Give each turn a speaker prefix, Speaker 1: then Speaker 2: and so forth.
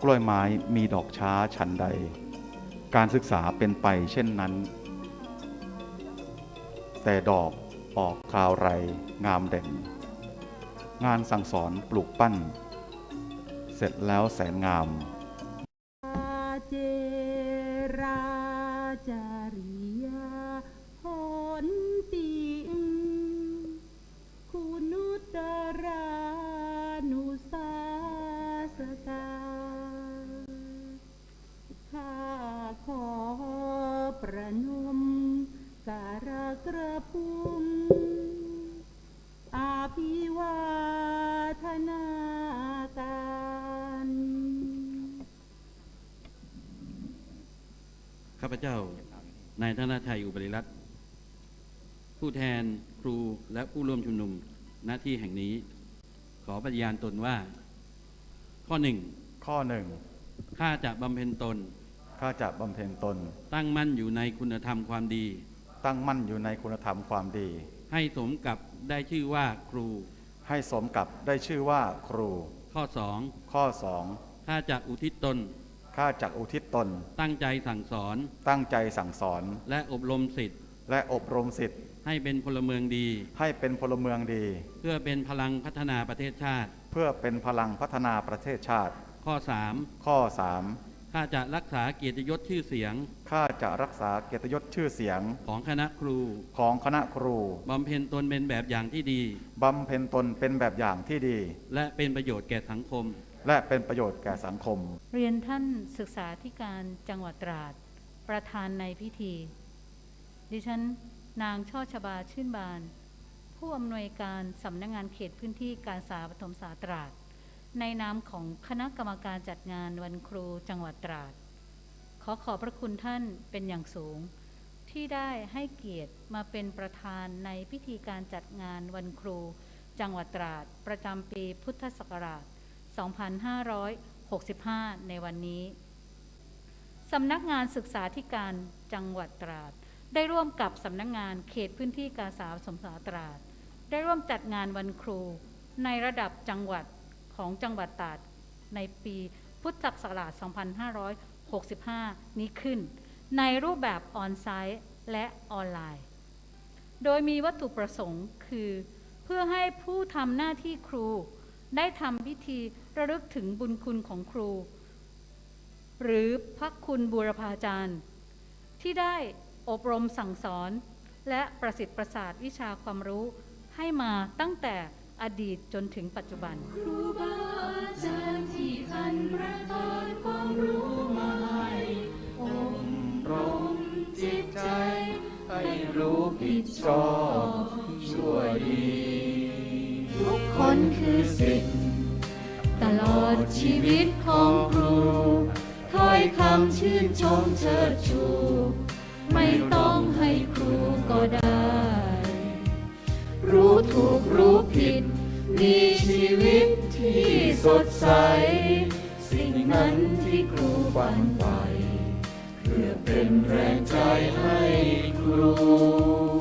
Speaker 1: กล้วยไม้มีดอกช้าฉันใดการศึกษาเป็นไปเช่นนั้นแต่ดอกออกคราวไรงามเด่นงานสั่งสอนปลูกปั้นเสร็จแล้วแสนงาม
Speaker 2: เจราจาริยาหนติคุณุตรานุสาสตาข้าขอประนมการกระพุ่มอาภิวาทนาการ
Speaker 3: ข้าพเจ้านายธนชัยอุบลิรัตน์ผู้แทนครูและผู้ร่วมชุมนุมณที่แห่งนี้ขอปฏิญาณตนว่าข้อหนึ่งข้าจะบำเพ็ญตนตั้งมั่นอยู่ในคุณธรรมความดีให้สมกับได้ชื่อว่าครูข้อสองข้าจะอุทิศตนตั้งใจสั่งสอนและอบรมศิษย์ให้เป็นพลเมืองดีเพื่อเป็นพลังพัฒนาประเทศชาติข้อสามข้าจะรักษาเกียรติยศชื่อเสียงของคณะครูบำเพ็ญตนเป็นแบบอย่างที่ดีและเป็นประโยชน์แก่สังคม
Speaker 2: เรียนท่านศึกษาธิการจังหวัดตราดประธานในพิธีดิฉันนางช่อชบาชื่นบานผู้อำนวยการสำนักงานเขตพื้นที่การศึกษาประถมศึกษาตราดในนามของคณะกรรมการจัดงานวันครูจังหวัดตราดขอบพระคุณท่านเป็นอย่างสูงที่ได้ให้เกียรติมาเป็นประธานในพิธีการจัดงานวันครูจังหวัดตราดประจำปีพุทธศักราช 2565 ในวันนี้สำนักงานศึกษาธิการจังหวัดตราดได้ร่วมกับสำนักงานเขตพื้นที่การศึกษาประถมศึกษาตราดได้ร่วมจัดงานวันครูในระดับจังหวัดของจังหวัดตราดในปีพุทธศักราช 2565 นี้ขึ้นในรูปแบบออนไซต์และออนไลน์โดยมีวัตถุประสงค์คือเพื่อให้ผู้ทำหน้าที่ครูได้ทำพิธีระลึกถึงบุญคุณของครูหรือพระคุณบูรพาจารย์ที่ได้อบรมสั่งสอนและประสิทธิ์ประสาทวิชาความรู้ให้มาตั้งแต่อดีตจนถึงปัจจุบัน
Speaker 4: ครูบาอาจารย์ที่ท่านประทานความรู้มาให้อบรมจิตใจให้รู้ผิดชอบชั่วดีทุกคนคือศิษย์ตลอดชีวิตของครูถ้อยคำชื่นชมเชิดชูไม่ต้องให้ครูก็ได้รู้ถูกรู้ผิดมีชีวิตที่สดใสสิ่งนั้นที่ครูฝันใฝ่เพื่อเป็นแรงใจให้ครู